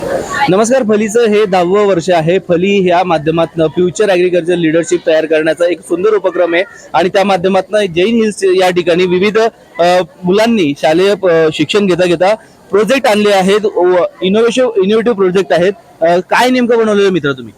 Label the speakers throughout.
Speaker 1: नमस्कार. फलीचं हे 10वं वर्ष आहे. फली ह्या माध्यमातून फ्युचर ॲग्रिकल्चर लीडरशिप तयार करण्याचा एक सुंदर उपक्रम आहे आणि त्या माध्यमातून जैन हिल्स या ठिकाणी विविध मुलांनी शालेय शिक्षण घेता प्रोजेक्ट आणले आहेत. इनोव्हेटिव्ह प्रोजेक्ट आहेत. काय नेमकं बनवलेलं मित्र तुम्ही?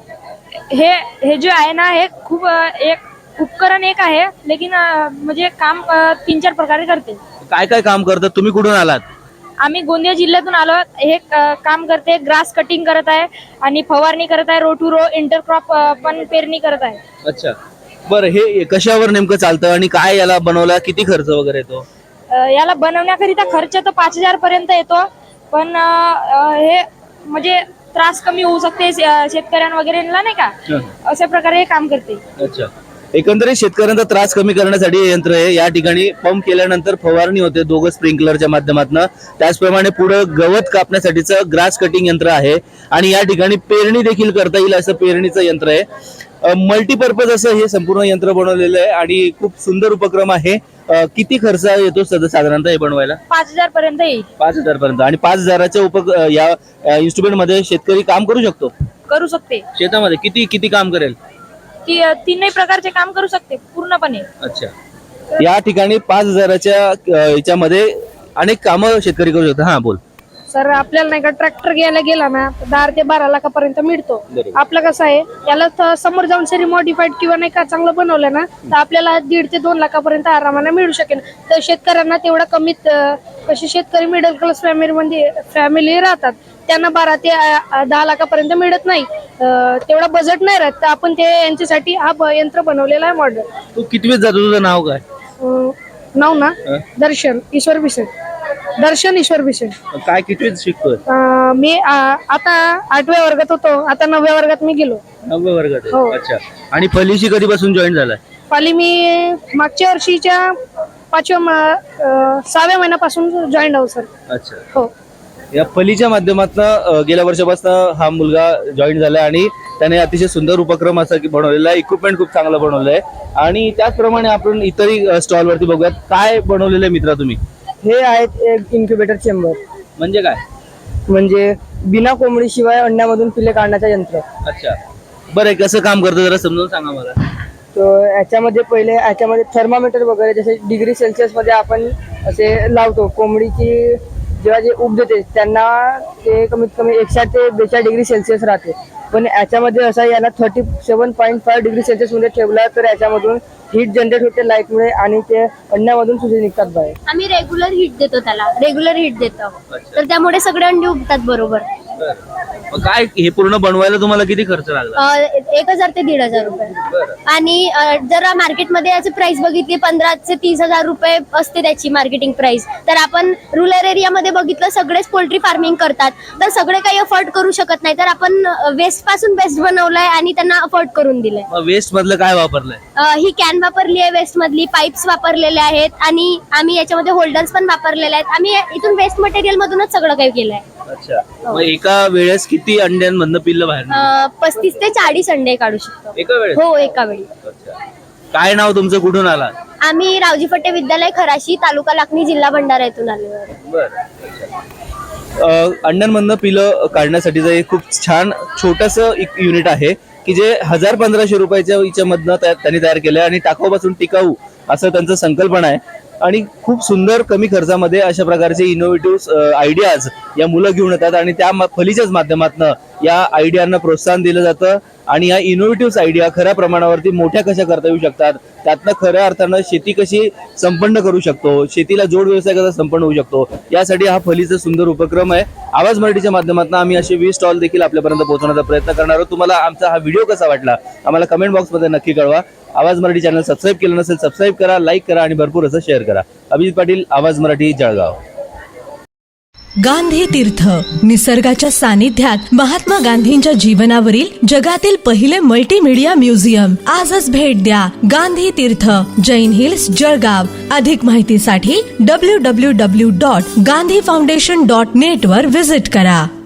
Speaker 2: हे जो आहे ना, हे खूप एक उपकरण एक आहे, लेकिन म्हणजे काम 3-4 प्रकारे करते.
Speaker 1: काय काय काम करतात? तुम्ही कुठून आलात?
Speaker 2: आम्ही गोंदिया जिल्ह्यातून आलो. हे काम करते, ग्रास कटिंग करत आहे आणि फवारणी करत आहे, रो टू रो इंटरक्रॉप पण पेरणी करत आहे.
Speaker 1: अच्छा, बरं. हे कशावर नेमकं चालतं आणि काय याला बनवला? किती खर्च वगैरे येतो?
Speaker 2: याला बनवण्याकरिता खर्च तर 5,000 पर्यंत येतो, पण हे म्हणजे त्रास कमी होऊ शकते शेतकऱ्यांना वगैरेला, नाही का? अशा प्रकारे हे काम करते.
Speaker 1: अच्छा, एकंदरीत शेतकऱ्यांचा त्रास कमी करण्यासाठी हे यंत्र आहे. या ठिकाणी पंप केल्यानंतर फवारणी होते दोघं स्प्रिंकलरच्या माध्यमातून. त्याचप्रमाणे पुढे गवत कापण्यासाठीचं ग्रास कटिंग यंत्र आहे आणि या ठिकाणी पेरणी देखील करता येईल असं पेरणीचं यंत्र आहे. मल्टीपर्पज असं हे संपूर्ण यंत्र बनवलेलं आहे आणि खूप सुंदर उपक्रम आहे. किती खर्च येतो साधारणतः हे बनवायला?
Speaker 2: 5,000 पर्यंत येईल.
Speaker 1: 5,000 पर्यंत. आणि 5,000च्या या इन्स्ट्रुमेंट मध्ये शेतकरी काम करू शकतो?
Speaker 2: करू शकते.
Speaker 1: शेतामध्ये किती काम करेल?
Speaker 2: ती 3 प्रकारचे काम करू शकते पूर्णपणे.
Speaker 1: अच्छा, या ठिकाणी 5,000च्या याच्यामध्ये अनेक कामं शेतकरी करू शकतात. हा, बोल.
Speaker 2: सर, आपल्याला नाही का ट्रॅक्टर घ्यायला गेला ना, 10 ते 12 लाखापर्यंत मिळतो. आपलं कसं आहे, याला समोर जाऊन सरी मॉडिफाईड किंवा नाही का चांगलं बनवलं ना, तर आपल्याला 1.5 ते 2 लाखापर्यंत आरामाने मिळू शकेल. तर शेतकऱ्यांना तेवढा कमीत कसे शेतकरी मिडल क्लास फॅमिली राहतात, त्यांना 12 ते 10 लाखापर्यंत मिळत नाही, तेवढा बजेट नाही राहत. तर आपण ते यांच्यासाठी हा यंत्र बनवलेला आहे मॉडेल.
Speaker 1: तू कितवीत जातो? तुझं नाव काय?
Speaker 2: नाव ना, दर्शन ईश्वर भिसे. दर्शन ईश्वर भिसे.
Speaker 1: काय कितवीत शिकतोय?
Speaker 2: मी आता 8व्या वर्गात होतो, आता 9व्या वर्गात मी गेलो.
Speaker 1: 9व्या वर्गात?
Speaker 2: हो.
Speaker 1: अच्छा, आणि फलीशी कधीपासून जॉईन झालाय?
Speaker 2: फली मी मागच्या वर्षीच्या 6व्या महिन्यापासून जॉईन आहो सर.
Speaker 1: अच्छा.
Speaker 2: हो.
Speaker 1: या फलीच्या माध्यमातून गेल्या वर्षापासून हा मुलगा जॉईन झालाय आणि त्याने अतिशय सुंदर उपक्रम असा बनवलेला आहे. इक्विपमेंट खूप चांगलं बनवलं आहे आणि त्याचप्रमाणे आपण इतरही स्टॉल वरती बघूयात. काय बनवलेलं आहे मित्रा तुम्ही?
Speaker 3: हे आहेत एक इन्क्युबेटर चेंबर.
Speaker 1: म्हणजे काय?
Speaker 3: म्हणजे बिना कोंबडी शिवाय अंड्यामधून पिल्ले काढण्याचं यंत्र.
Speaker 1: अच्छा, बरं. कसं काम करतं जरा समजून सांगा मला.
Speaker 3: तर याच्यामध्ये थर्मामीटर वगैरे जसे डिग्री सेल्सिअस मध्ये आपण असे लावतो. कोंबडीची जेव्हा जे उब देते त्यांना ते कमीत कमी 160 ते 42 डिग्री सेल्सिअस राहते. पण याच्यामध्ये असं याला 37.5 डिग्री सेल्सिअस मध्ये ठेवला तर याच्यामधून हीट जनरेट होते लाईटमुळे आणि ते अंड्यामधून सुद्धा निघतात बाहेर.
Speaker 4: आम्ही रेग्युलर हीट देतो त्याला, रेग्युलर हीट देतो, तर त्यामुळे सगळे अंडी उगतात बरोबर.
Speaker 1: काय हे पूर्ण बनवायला तुम्हाला किती खर्च लागला?
Speaker 4: 1,000 ते 1,500 रुपये. आणि जर मार्केटमध्ये याची प्राइस बघितली 15,000 ते 30,000 रुपये असते त्याची मार्केटिंग प्राइस. तर आपण रुरल एरियामध्ये बघितलं सगळेच पोल्ट्री फार्मिंग करतात, तर सगळे काही अफोर्ड करू शकत नाही. तर आपण वेस्ट पासून बेस्ट बनवलंय आणि त्यांना अफोर्ड करून दिलंय.
Speaker 1: वेस्ट मधलं काय वापरलंय?
Speaker 4: ही कॅन वापरली आहे, वेस्ट मधली पाईप्स वापरलेले आहेत आणि आम्ही याच्यामध्ये होल्डर्स पण वापरलेले आहेत. आम्ही इथून वेस्ट मटेरियल मधूनच सगळं काही केलंय.
Speaker 1: अच्छा, मग एका वेळेस किती अंड्यांमधनं पिल्लं बाहेर?
Speaker 4: 35 ते 40 अंडे काढू शकतो
Speaker 1: एका वेळेस?
Speaker 4: हो, एका वेळी.
Speaker 1: काय नाव तुमचं? कुठून आला?
Speaker 4: आम्ही रावजी फटे विद्यालय खराशी, तालुका लाखनी, जिल्हा भंडारा येथून आलो.
Speaker 1: अंड्यांमधनं पिलं काढण्यासाठीचं एक खूप छान छोटस एक युनिट आहे की जे 1,000-1,500 रुपयाच्या याच्यामधनं त्यांनी तयार केलंय आणि टाकाऊपासून टिकाऊ असं त्यांचं संकल्पना आहे. आणि खूप सुंदर कमी खर्चामध्ये अशा प्रकारचे इनोव्हेटिव्ह आयडियाज या मुलं घेऊन येतात आणि त्या फलीच्याच माध्यमातून या आयडियांना प्रोत्साहन दिलं जातं आणि या इनोव्हेटिव्ह आयडिया खऱ्या प्रमाणावरती मोठ्या कशा करता येऊ शकतात, त्यातनं खऱ्या अर्थानं शेती कशी संपन्न करू शकतो, शेतीला जोड व्यवसाय कसा संपन्न होऊ शकतो, यासाठी हा फलीचा सुंदर उपक्रम आहे. आवाज मराठीच्या माध्यमातून आम्ही असे 20 स्टॉल देखील आपल्यापर्यंत पोहोचवण्याचा प्रयत्न करणार आहोत. तुम्हाला आमचा हा व्हिडिओ कसा वाटला आम्हाला कमेंट बॉक्समध्ये नक्की कळवा. आवाज मराठी चॅनल सबस्क्राईब केलं नसेल सबस्क्राईब करा, लाईक करा आणि भरपूर असं शेअर करा. अभिजित पाटील, आवाज मराठी, जळगाव.
Speaker 5: गांधी तीर्थ, निसर्गाच्या सानिध्यात महात्मा गांधींच्या जीवनावरील जगातील पहिले मल्टीमीडिया म्युझियम. आजच भेट द्या. गांधी तीर्थ, जैन हिल्स, जळगाव. अधिक माहितीसाठी www.gandhifoundation.net वर व्हिजिट करा.